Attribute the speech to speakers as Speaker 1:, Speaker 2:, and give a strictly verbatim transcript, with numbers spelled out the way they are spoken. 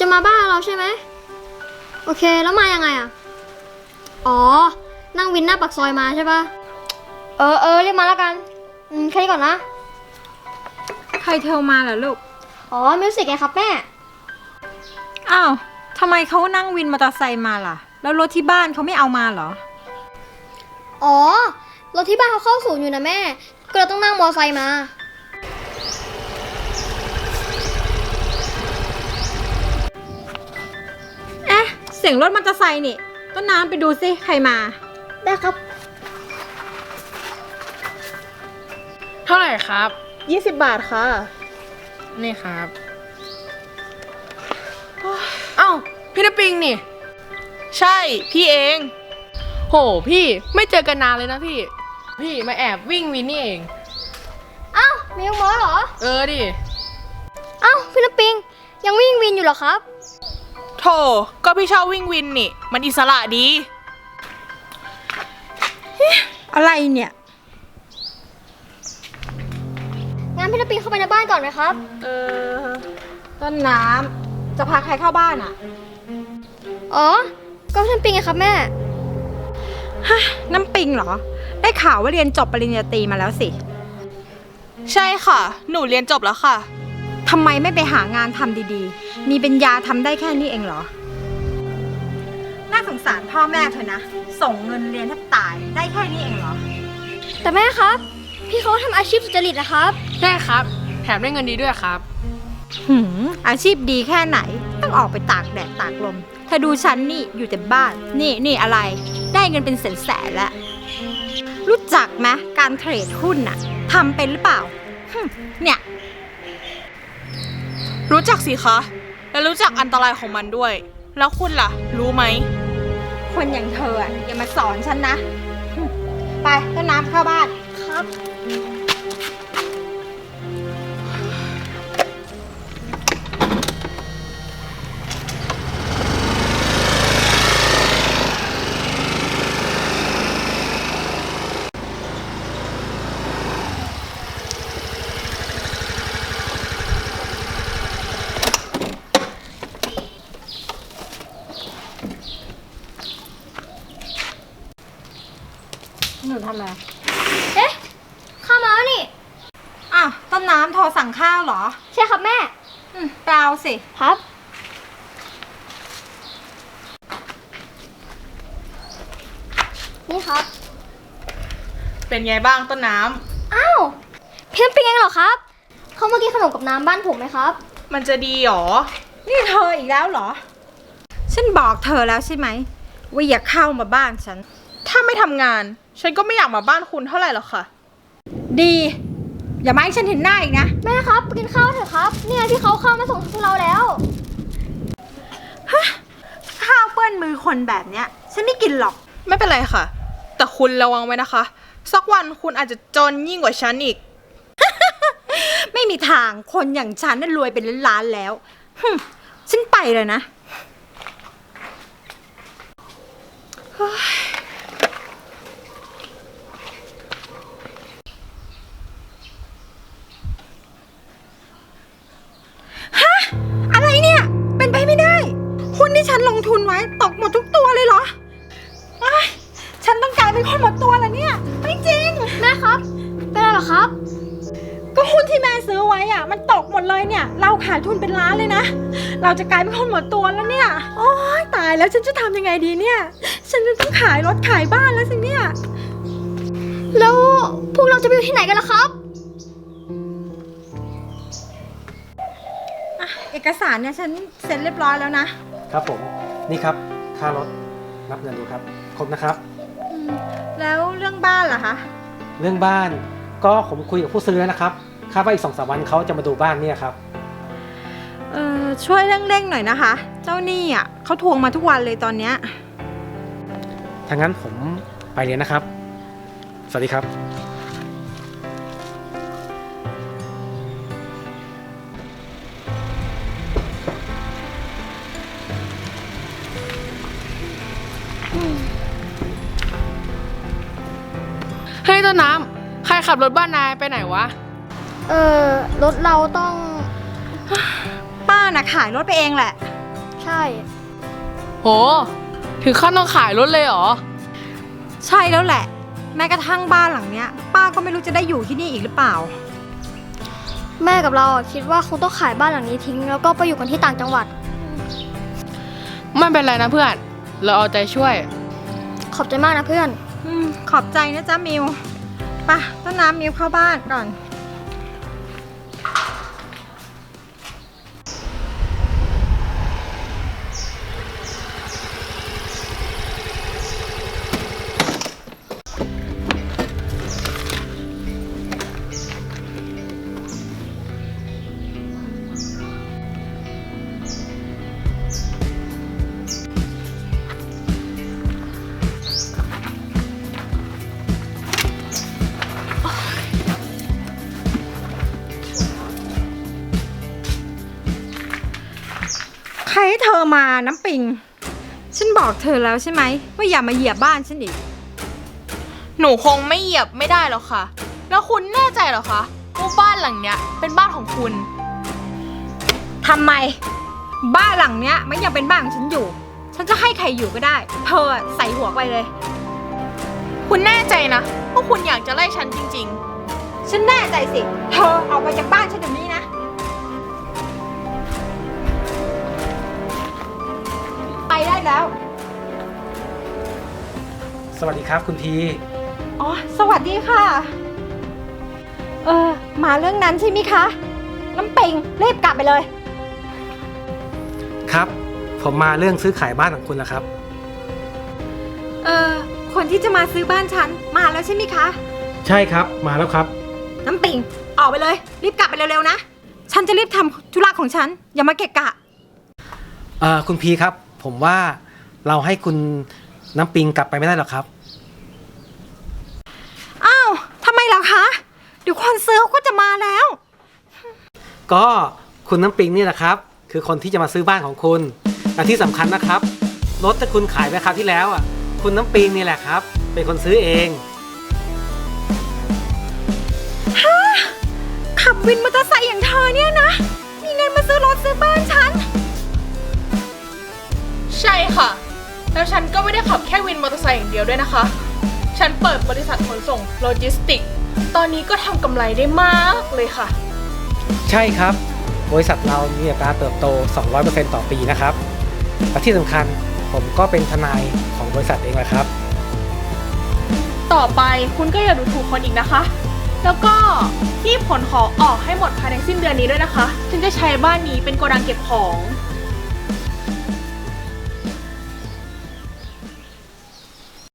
Speaker 1: จะมาบ้านเราใช่ไหมโอเคแล้วมายังไงอ่ะอ๋อนั่งวินหน้าปากซอยมาใช่ปะเออเออเรียกมาแล้วกันอืมแค่นี้ก่อนนะ
Speaker 2: ใครโทรมาเหรอลูก
Speaker 1: อ๋อมิวสิกไงครับแม่
Speaker 2: อ้าวทำไมเขานั่งวินมอเตอร์ไซค์มาล่ะแล้วรถที่บ้านเขาไม่เอามาเหรอ
Speaker 1: อ๋อรถที่บ้านเขาเข้าศูนย์อยู่นะแม่ก็เลยต้องนั่งมอเตอร์ไซค์มา
Speaker 2: เอ๊ะเสียงรถมอเตอร์ไซค์นี่ต้นน้ำไปดูสิใครมา
Speaker 1: ได้ครับ
Speaker 3: เท่าไหร่ครับ
Speaker 2: ยี่สิบบาทค่ะ
Speaker 3: นี่ครับเอ้าพี่นปิงนี่
Speaker 4: ใช่พี่เอง
Speaker 3: โหพี่ไม่เจอกันนานเลยนะพี่พี่มาแอบวิ่งวินนี่เอง
Speaker 1: เอ้ามิวมอเหรอ
Speaker 3: เออดิ
Speaker 1: เอ้าพี่นปิงยังวิ่งวินอยู่เหรอครับ
Speaker 4: โธ่ก็พี่ชอบวิ่งวินนี่มันอิสระดี
Speaker 2: อะไรเนี่ย
Speaker 1: งั้นพี่นปิงเข้าไปในบ้านก่อนไหมครับ
Speaker 2: เออต้นน้ำจะพาใครเข้าบ้านอ่ะ
Speaker 1: อ๋อก็พี่นปิงไงครับแม่
Speaker 2: ฮะน้ำปิงเหรอได้ข่าวว่าเรียนจบปริญญาตรีมาแล้วสิ
Speaker 4: ใช่ค่ะหนูเรียนจบแล้วค่ะ
Speaker 2: ทำไมไม่ไปหางานทำดีๆมีปัญญาทำได้แค่นี้เองเหรอน่าสงสารพ่อแม่เธอนะส่งเงินเรียนแทบตายได้แค่นี้เองเหรอ
Speaker 1: แต่แม่ครับพี่เขาทำอาชีพสุจริตนะครับ
Speaker 3: ใช่ครับแถมได้เงินดีด้วยครับ
Speaker 2: หืมอาชีพดีแค่ไหนต้องออกไปตากแดดตากลมเธอดูฉันนี่อยู่แต่บ้านนี่นี่อะไรได้เงินเป็นแสนๆแล้วรู้จักไหมการเทรดหุ้นน่ะทำเป็นหรือเปล่าเนี่ย
Speaker 4: รู้จักสิคะและรู้จักอันตรายของมันด้วยแล้วคุณล่ะรู้ไหม
Speaker 2: คนอย่างเธออย่ามาสอนฉันนะไปต้นน้ำเข้าบ้าน
Speaker 1: ครับ
Speaker 2: หนูทำอะไร
Speaker 1: เอ๊ะข้าวมาแล้วนี่
Speaker 2: อ้าวต้นน้ำโทรสั่งข้าวเหรอ
Speaker 1: ใช่ครับแม่
Speaker 2: อืมเปล่าสิ
Speaker 1: ครับนี่ครับ
Speaker 4: เป็นไงบ้างต้นน้
Speaker 1: ำอ้าวเพื่อนเป็นไงเหรอครับเขามากินขนมกับน้ำบ้านผมไหมครับ
Speaker 4: มันจะดีหรอ
Speaker 2: นี่เธออีกแล้วเหรอฉันบอกเธอแล้วใช่ไหมว่าอย่าเข้ามาบ้านฉัน
Speaker 4: ถ้าไม่ทำงานฉันก็ไม่อยากมาบ้านคุณเท่าไหร่หรอกค่ะ
Speaker 2: ดีอย่ามาให้ฉันเห็นหน้าอีกนะ
Speaker 1: แม่ครับไปกินข้าวเถอะครับเนี่ยที่เขาเข้ามาส่งพวกเราแล้ว
Speaker 2: ฮะข้าวเปื้อนมือคนแบบเนี้ยฉันไม่กินหรอก
Speaker 4: ไม่เป็นไรค่ะแต่คุณระวังไว้นะคะสักวันคุณอาจจะจนยิ่งกว่าฉันอีก
Speaker 2: ไม่มีทางคนอย่างฉันน่ะรวยเป็นล้านๆแล้วฉันไปเลยนะอะไรเนี่ยเป็นไปไม่ได้หุ้นที่ฉันลงทุนไว้ตกหมดทุกตัวเลยเหรอฉันต้องกลายเป็นคนหมดตัวแล้วเนี่ยไม่จริง
Speaker 1: แม่ครับเป็นอะไรหรอครับ
Speaker 2: ก็หุ้นที่แม่ซื้อไว้อ่ะมันตกหมดเลยเนี่ยเราขาดทุนเป็นล้านเลยนะเราจะกลายเป็นคนหมดตัวแล้วเนี่ยโอ๊ยตายแล้วฉันจะทำยังไงดีเนี่ยฉันจะต้องขายรถขายบ้านแล้วสิเนี่ย
Speaker 1: แล้วพวกเราจะไปอยู่ที่ไหนกันล่ะครับ
Speaker 2: เอกสารเนี่ยฉันเซ็นเรียบร้อยแล้วนะครับ
Speaker 5: ผมนี่ครับค่ารถนับเงินดูครับครบนะครับ
Speaker 2: แล้วเรื่องบ้านล่ะคะ
Speaker 5: เรื่องบ้านก็ผมคุยกับผู้ซื้อแล้วนะครับคาดว่าอีกสองสามวันเขาจะมาดูบ้านเนี่ยครับ
Speaker 2: เออช่วยเร่งๆหน่อยนะคะเจ้าหนี้อ่ะเขาทวงมาทุกวันเลยตอนเนี้ย
Speaker 5: ถ้างั้นผมไปเรียนนะครับสวัสดีครับ
Speaker 3: เฮ้ยต้นน้ำใครขับรถบ้านนายไปไหนวะ
Speaker 1: เออรถเราต้อง
Speaker 2: ป้าน่ะขายรถไปเองแหละ
Speaker 1: ใช่
Speaker 3: โห ถึงขั้นต้องขายรถเลยเหรอ
Speaker 2: ใช่แล้วแหละ แม้กระทั่งบ้านหลังเนี้ย ป้าก็ไม่รู้จะได้อยู่ที่นี่อีกหรือเปล่า
Speaker 1: แม่กับเราอะคิดว่าคงต้องขายบ้านหลังนี้ทิ้งแล้วก็ไปอยู่กันที่ต่างจังหวัด
Speaker 3: ไม่เป็นไรนะเพื่อน เราเอาใจช่วย
Speaker 1: ขอบใจมากนะเพื่อน
Speaker 2: อืม ขอบใจนะจ๊ะมิวไปะต้นน้ำมิวเข้าบ้านก่อน ใครให้เธอมาน้ำปิง ฉันบอกเธอแล้วใช่ไหมว่าอย่ามาเหยียบบ้านฉันอีก
Speaker 4: หนูคงไม่เหยียบไม่ได้หรอกค่ะ แล้วคุณแน่ใจเหรอคะว่าบ้านหลังเนี้ยเป็นบ้านของคุณ
Speaker 2: ทำไม บ้านหลังเนี้ยมันยังเป็นบ้านของฉันอยู่ ฉันจะให้ใครอยู่ก็ได้ เธอใส่หัวไปเลย
Speaker 4: คุณแน่ใจนะว่าคุณอยากจะไล่ฉันจริง
Speaker 2: ฉันแน่ใจสิ เธอเอาไปจากบ้านฉันเดี๋ยวนี้นะ ไปได้แล้ว
Speaker 5: สวัสดีครับคุณพี
Speaker 2: อ๋อ สวัสดีค่ะ เออ มาเรื่องนั้นใช่ไหมคะ น้ำปิงรีบกลับไปเลย
Speaker 5: ครับ ผมมาเรื่องซื้อขายบ้านของคุณแล้วครับ
Speaker 2: เออ คนที่จะมาซื้อบ้านฉันมาแล้วใช่ไหมคะ
Speaker 5: ใช่ครับ มาแล้วครับ
Speaker 2: น้ำปิงออกไปเลย รีบกลับไปเร็วๆนะ ฉันจะรีบทำธุระของฉัน อย่ามาเกะกะ
Speaker 5: เอ่อคุณพีครับ ผมว่าเราให้คุณน้ำปิงกลับไปไม่ได้หรอกครับ
Speaker 2: อ้าวทำไมล่ะคะ เดี๋ยวคนซื้อเขาก็จะมาแล้ว
Speaker 5: ก็คุณน้ำปิงนี่แหละครับ คือคนที่จะมาซื้อบ้านของคุณและที่สำคัญนะครับรถที่คุณขายไปคราวที่แล้วอ่ะคุณน้ำปิงนี่แหละครับ เป็นคนซื้อเอง
Speaker 2: ขับวินมอเตอร์ไซค์อย่างเธอเนี่ยนะ มีเงินมาซื้อรถซื้อบ้านฉัน
Speaker 4: ๆ ใช่ค่ะ แล้วฉันก็ไม่ได้ขับแค่วินมอเตอร์ไซค์อย่างเดียวด้วยนะคะ ฉันเปิดบริษัทขนส่งโลจิสติก ตอนนี้ก็ทำกำไรได้มากเลยค่ะ
Speaker 5: ใช่ครับ บริษัทเรามีอัตราเติบโต สองร้อยเปอร์เซ็นต์ ต่อปีนะครับและที่สำคัญผมก็เป็นทนายของบริษัทเองแหละครับ
Speaker 4: ต่อไปคุณก็อย่าดูถูกคนอีกนะคะ แล้วก็รีบขนของออกให้หมดภายในสิ้นเดือนนี้ด้วยนะคะ ฉันจะใช้บ้านนี้เป็นโกดังเก็บของ